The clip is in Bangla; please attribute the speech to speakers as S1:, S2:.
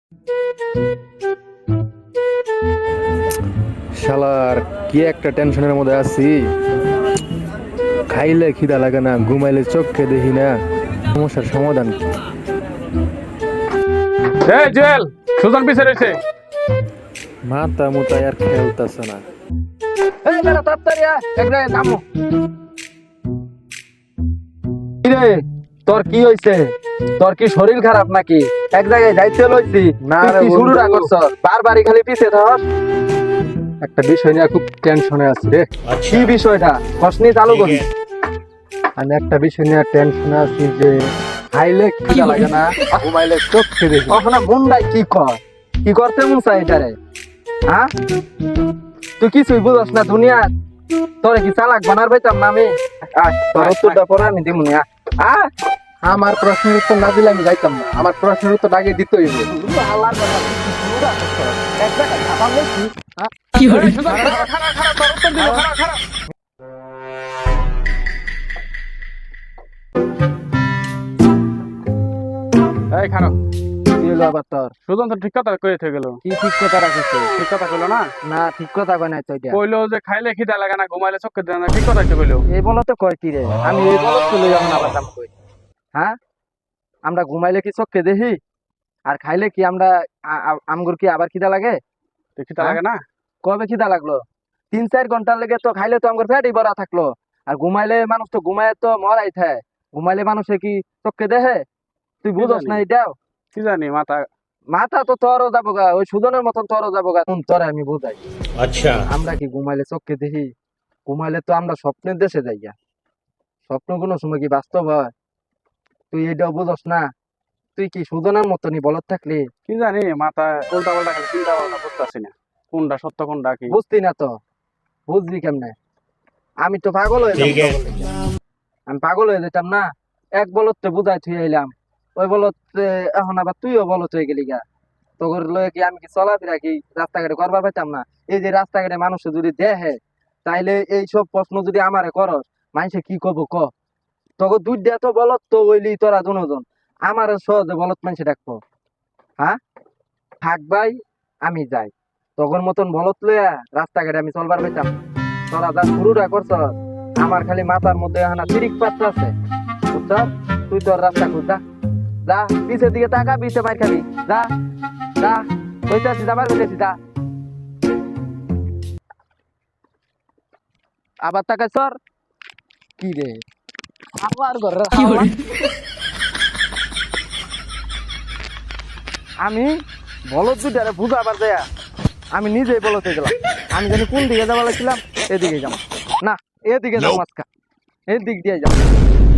S1: শালার কি একটা টেনশনের মধ্যে আছি। খাইলে খিদা লাগে না, ঘুমাইলে চোখে দেখি না। সমস্যার সমাধান কি?
S2: জুয়েল, সুজন পিছে রয়েছে।
S1: মাথা মুতায় আর খেলতেছে না।
S3: এই বেটা তাড়াতাড়ি আয়, এক জায়গায় নামো। কিরে, তোর কি হইছে? তোর কি শরীর খারাপ নাকি? এক জায়গায় যাইতে লইছি
S1: না
S3: তুই
S1: রে
S3: কি শুরু
S1: বন্ধু।
S3: না করছ? বারবারই খালি পিছে থাকস।
S1: একটা বিষয় নিয়ে খুব টেনশনে আছি রে।
S3: কি বিষয়টা কসনি চালু করি।
S1: আমি একটা বিষয় নিয়ে টেনশনে আছি যে খাইলে খিদা লাগে না, ঘুমাইলে চোখে দেখি না।
S3: ওখানে মুন্ডাই কি কর, কি করতে মন চাই এটারে? হ্যাঁ, তুই কিছুই বুঝস না দুনিয়া। তোরে কি চালাক বানার পাইতাম না আমি? আয়, তোর উত্তরটা পরে আমি দিমুনি। আয়,
S1: আমার প্রশ্নের উত্তর না দিলে আমি যাইতাম না। আমার প্রশ্নের উত্তর আগে দিতেই হবে।
S3: আল্লাহর কথা তুই কি শুরু না করছ? এক জায়গায় খাবার লইছি।
S2: সুজন, খাড়া, খাড়া, খাড়া, তোর উত্তর দিল, খাড়া, খাড়া। এই খারাপ,
S3: কি হলো আবার তোর?
S2: সুজন তো ঠিক কথা কয়ে থেকে গেল।
S3: কি ঠিক কথা রাখিস?
S2: ঠিক কথা কইলো না?
S3: না, ঠিক কথা কয় নাই তো এটা।
S2: কইলো যে খাইলে খিদা লাগে না, ঘুমাইলে চোখে দেয় না, ঠিক কথাই তো কইলো।
S3: এই বলো তো কয় কি রে? আমি এই বলো তো লই এখন আবার দাম কই। হ্যাঁ, আমরা ঘুমাইলে কি চোখকে দেখি? আর খাইলে কি আমরা আমগুর কি আবার খিদা লাগে?
S2: তো খিদা লাগে না?
S3: কবে খিদা লাগলো? 3-4 ঘন্টার লেগে তো খাইলে তো আমগুর পেটই ভরা থাকলো। আর ঘুমাইলে মানুষ তো ঘুমায় তো মরাই থাকে। ঘুমাইলে মানুষে কি চোখকে দেখে? তুই বুঝস না এটাও?
S2: কি জানি মাথা।
S3: মাথা তো তোরও যাবো গা, ওই সুদনের মতন তোরও যাবো গা। তোরে আমি বুঝাই।
S4: अच्छा
S3: আমরা কি ঘুমাইলে চোখকে দেখি? ঘুমাইলে তো আমরা স্বপ্নের দেশে যাই গা। স্বপ্ন কোনো সময় কি বাস্তব হয়? তুই এটাও বুঝস না? তুই কি সুদনের মতনই বলত থাকলি?
S2: কি জানি মাথা উল্টা পাল্টা খালি চিন্তা ভাবনা করতেছি না, কোনটা সত্য কোনটা কি।
S3: বুঝতি না তো? বুঝবি কেমনে? আমি তো পাগল হয়ে
S4: ठीक है
S3: যেতাম। আমি পাগল হয়ে যেতাম না। এক বলত তো বুঝাই থুই আইলাম, ওই বলত এখন আবার তুইও বলত হয়ে গেলি গা। তোর লয়ে কি আমি কি চলাফেরা কি রাস্তাঘাটে করবার পাইতাম না? এই যে রাস্তাঘাটে মানুষ যদি দেখে, তাইলে এই সব প্রশ্ন যদি আমারে করস, মানুষে কি কব ক? তোকে দুইটা তো বলত তো হইলি তোরা দুজন। আমার সহজে বলত মানুষে ডাকবো? হ্যাঁ, থাক ভাই, আমি যাই। তখন মতন বলত লইয়া রাস্তাঘাটে আমি চলবার পাইতাম? তোরা যা শুরুটা করছ, আমার খালি মাথার মধ্যে হানা তিরিক পাত্র আছে, বুঝছ? তুই তোর রাস্তা খুঁজ, যা যা, পিছের দিকে তাকা, পিছে মার খাবি। যা যা, কইতাছি যাবার কইতাছি, যা। আবার তাকাই সর। কি রে, আবার ঘরে আমি বলদ দুটারে বুঝাবার দেয়া আমি নিজেই বলতে গেলাম। আমি জানি কোন দিকে যাওয়া লাগছিলাম, এদিকে যাবো না, এদিকে যাবো আজকা, এদিক দিয়ে যাবো।